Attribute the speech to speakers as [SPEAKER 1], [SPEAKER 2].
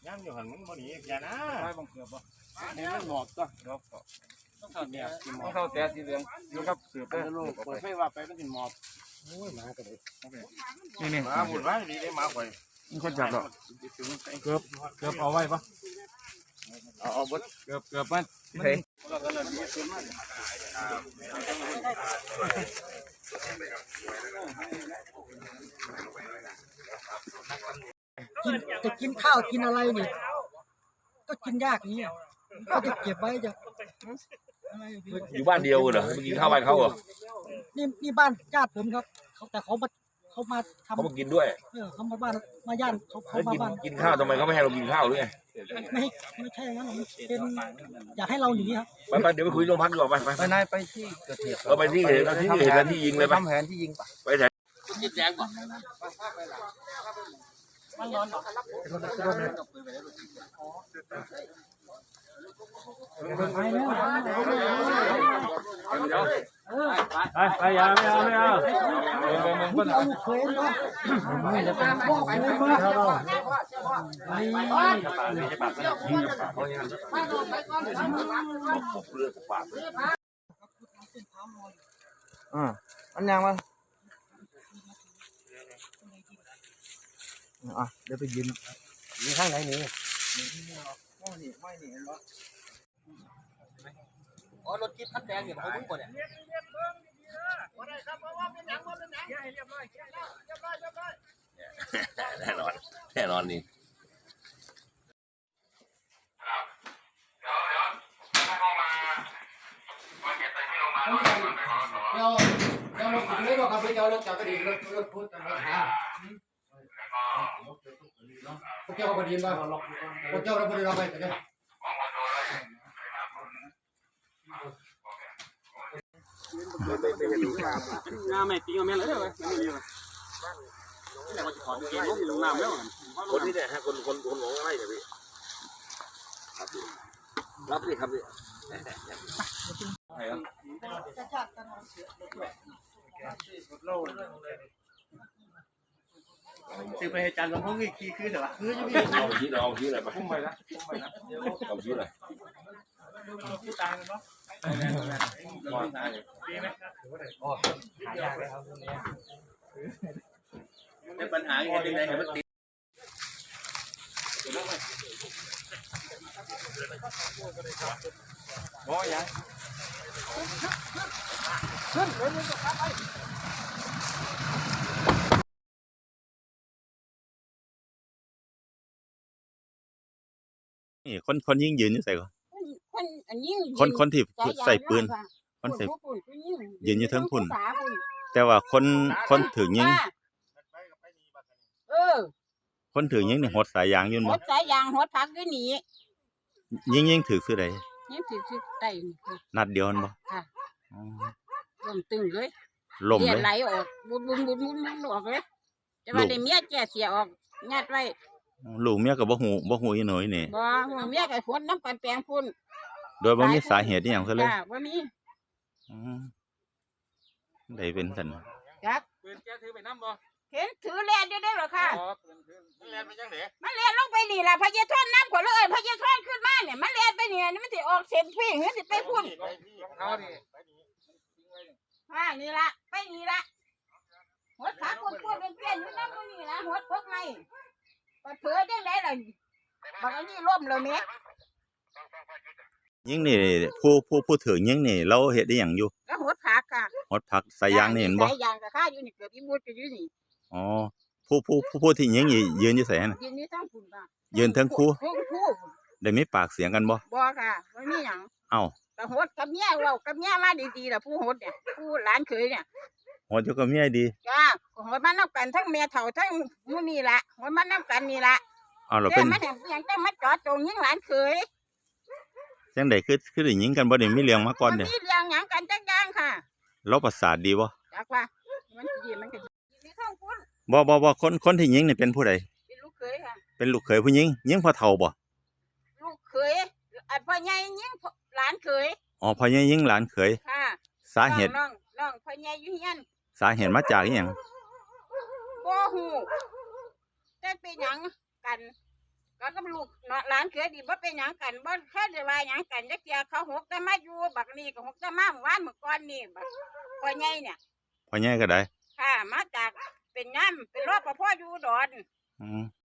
[SPEAKER 1] ย่างอยู่หันมึงบ่หนีอย่านะไปบังเกือบบ่เนี่ยมันหมอกก็ต้องเข้าเนี่ยต้องเข้าแต่สีเหลืองอยู่กับเสือไปลูกเปิดไฟว่าไปมันสิหมอบโอ้ยหมาก็ได้นี่หมาบุญไว้ดีได้หมาข่อยมันคนจับหรอเกือบเอาไว้ปะเอาบดเกือบมันเฮ้ย
[SPEAKER 2] จะกินข้าวกินอะไรนี่ก็กินยากนี่ก็จะเก็บไว้จะ
[SPEAKER 3] อยู่บ้านเดียวเหรอไปกินข้าวบ้านเขาเหรอ
[SPEAKER 2] นี่บ้านญาติผมครับแต่เขามาทำ
[SPEAKER 3] เขามากินด้วย
[SPEAKER 2] เขามาบ้านมาย่านเขามาบ้าน
[SPEAKER 3] กินข้าวทำไมเขาไม่ให้เรากินข้าวหรือไง
[SPEAKER 2] ไม่ใช่งั้นเป็นอยากให้เราหนีครับ
[SPEAKER 3] ไปเดี๋ยวไปคุยโรงพักดีกว่าไป
[SPEAKER 1] นายไปที่เกิดเหตุ
[SPEAKER 3] ไปที่เห็นที่ยิงเลย
[SPEAKER 1] ทำแผนที่ยิง
[SPEAKER 3] ไปไหน
[SPEAKER 1] ที่แจ้งก่อนมันร้อนไปอย่าไม่เอามึง
[SPEAKER 2] เอาเคยเนาะไม่จะเป็นพ่อไปไม่มาเรา
[SPEAKER 1] อันยังมาเดี๋ยวไปยืนข้างไหนนี่ไม่หนีเห็นปะอ๋อรถจิ๊บคันแดงเนี่ยเขาบุ้งก่อนเนี่ย
[SPEAKER 3] แน่นอนนี่
[SPEAKER 1] เราไม่บอกกับพี่เจ้าเราจับไปดีรถพูดกันมาหาพวกเจ้าก็ดีบ้างพวกเจ้าเราไม่ได้เราไปกันน้ำไม่ตีกันแม่เลยไม่ดีเลยนี่แหละว่าจะถอดเกงลงน้ำแล้ว
[SPEAKER 3] คนที่เนี่ยฮะคนหลงอะไรเนี่ยพี่รับดิครับพี่
[SPEAKER 1] ซื้อไปให้จานกับพวกนี้ขี้คืนเหรอคือยังมี
[SPEAKER 3] เอาชี้เลยไป
[SPEAKER 1] พุ่งไปละ
[SPEAKER 3] เอาชี้เลย
[SPEAKER 1] ที่ตายมันเนาะดีไหมโอ้หายากเลยครับตรงนี้ในปัญหาอย่างไรเห็นมันติดโอ้ยยัง
[SPEAKER 4] นี่คนยิงยืนอยู่ใส่ก่อนคนที่ใส่ปืนคนใส่ยืนอยู่เทิงพุ่นแต่ว่าคนถือยิงคนถือยิงนี่หดสายยางอยู่
[SPEAKER 5] หดสายยางหดพักอยู่นี่
[SPEAKER 4] ยิงถือคือใด
[SPEAKER 5] ยิงถือไต่
[SPEAKER 4] นัดเดียวมันบ่
[SPEAKER 5] ค่ะลมตึงเลย
[SPEAKER 4] ลมเลย
[SPEAKER 5] ไหลออกบุนออกเลยแต่ว่าได้เมียแก่เสียออกยัดไว้
[SPEAKER 4] ลูกเมียก็บ่ฮู้อีหน่อยนี่
[SPEAKER 5] บ่เมียก็ขนน้ำกันแปลงพุ่น
[SPEAKER 4] โดยบ่มีสาเหตุอีหยังซะเลย
[SPEAKER 5] บ่มี
[SPEAKER 4] ได้เป็นซั่น
[SPEAKER 5] ครับ
[SPEAKER 1] ปืนแกถือไปน้ำบ่
[SPEAKER 5] เห็นถือแลนอยู่ได้หรอค่ะ
[SPEAKER 1] มันแลนไปจังได๋
[SPEAKER 5] มันแลนลงไปนี่ล่ะพญาท่อนน้ำก่อนเลยพญาท่อนขึ้นมาเนี่ยมันแลนไปนี่มันสิออกเส้นพี่มันสิไปพุ่นนี่ละไปนี่ละหัวขาคนเป็นเปลี่ยนอยู่น้ำมันนี่ละหัวพกไงปัดเผือจังได๋ล่ะบักอันนี้ล่มแล้วแม่
[SPEAKER 4] ยิงนี่ผู้ถือยิงนี่เราเฮ็ดได้หยังอยู่
[SPEAKER 5] ก็หดผักค่ะ
[SPEAKER 4] หดผักสายยางนี่เห็นบ่
[SPEAKER 5] สายยางก็ค่าอยู่นี่เกือบอีมุดก็อยู่นี่
[SPEAKER 4] อ๋อผู้ที่ยิงนี่ยืนอยู่ไสน่ะ
[SPEAKER 5] ยืนอยู่ทั้งพุ่นค่ะ
[SPEAKER 4] ยืนทั้งคู่ได้มีปากเสียงกันบ่
[SPEAKER 5] บ่ค่ะบ่มีหยัง
[SPEAKER 4] เอ้า
[SPEAKER 5] ก็หดกับเมียเว้ากับเมียมาดีๆล่ะผู้หดเนี่ยผู้หลานเคยเนี่ย
[SPEAKER 4] หดอยู่กับเมียดี
[SPEAKER 5] จ้าหดมานำกันทั้งแม่เฒ่าทั้งมื้อนี่ล่ะหดมานำกันนี่ล่ะ
[SPEAKER 4] เอาล่ะเป็น
[SPEAKER 5] มันหยังจังมาจอดตรงยิงหลานเคย
[SPEAKER 4] จังได๋คือได้ยิงกันบ่ได้มีเรื่องมาก่อนเด้
[SPEAKER 5] มีเรื่องหยังกันจักอย่างค่ะ
[SPEAKER 4] เราประสาทดีบ่
[SPEAKER 5] จักว่ามันสิมันก็มีข้างพุ่น
[SPEAKER 4] บ่คนที่ยิงนี่เป็นผู้ใด
[SPEAKER 5] เป็นลูกเขยค่ะ
[SPEAKER 4] เป็นลูกเขยผู้หญิงยิงพ่อเฒ่าบ่
[SPEAKER 5] ลูกเขยพ่อใหญ่ยิงหลานเขย
[SPEAKER 4] อ๋อพ่อใหญ่ยิงหลานเขย
[SPEAKER 5] ค่ะ
[SPEAKER 4] สาเหตุ
[SPEAKER 5] น้องพ่อใหญ่อยู่เฮียน
[SPEAKER 4] สาเหตุมาจากอีหยัง
[SPEAKER 5] บ่ฮู้แต่เป็นหยังกันก็กับลูกหลานเขือดีบ่เป็นหยังกันบ่เคยได้ว่าหยังกันจักเที่ยเขาหกแต่มาอยู่บักนี้ก็หกแต่มาเมื่อวานเมื่อก่อนนี่บักพ่อใหญ่เนี่ย
[SPEAKER 4] พ่อใหญ่ก็ได้
[SPEAKER 5] ค่ะมาจากเป็นน้ำเป็นรปภอยู่อุดร
[SPEAKER 4] อืม